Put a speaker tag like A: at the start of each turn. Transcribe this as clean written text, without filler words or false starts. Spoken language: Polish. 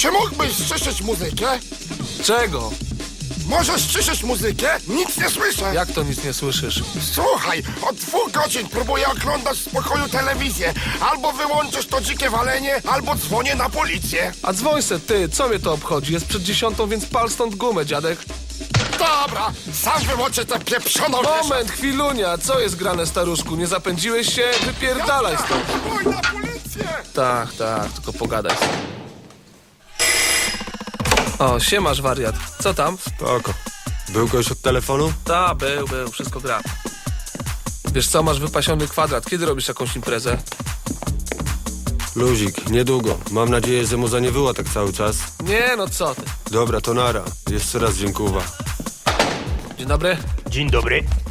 A: Czy mógłbyś ściszyć muzykę?
B: Czego?
A: Możesz ściszyć muzykę? Nic nie słyszę.
B: Jak to nic nie słyszysz?
A: Słuchaj, od 2 godzin próbuję oglądać w spokoju telewizję. Albo wyłączysz to dzikie walenie, albo dzwonię na policję.
B: A dzwoń se ty, co mnie to obchodzi? Jest przed 10, więc pal stąd gumę, dziadek.
A: Dobra, sam wyłączę tę pieprzoną
B: Moment, chwilunia, co jest grane, staruszku? Nie zapędziłeś się? Wypierdalaj stąd.
A: Dzwoń na policję!
B: Tak, tylko pogadaj sobie. O, siemasz, wariat. Co tam?
C: Spoko. Był ktoś od telefonu?
B: Był, wszystko gra. Wiesz co, masz wypasiony kwadrat. Kiedy robisz jakąś imprezę?
C: Luzik, niedługo. Mam nadzieję, że mu nie było tak cały czas.
B: Nie, no co ty.
C: Dobra, to nara. Jeszcze raz dziękuję.
B: Dzień dobry.
D: Dzień dobry.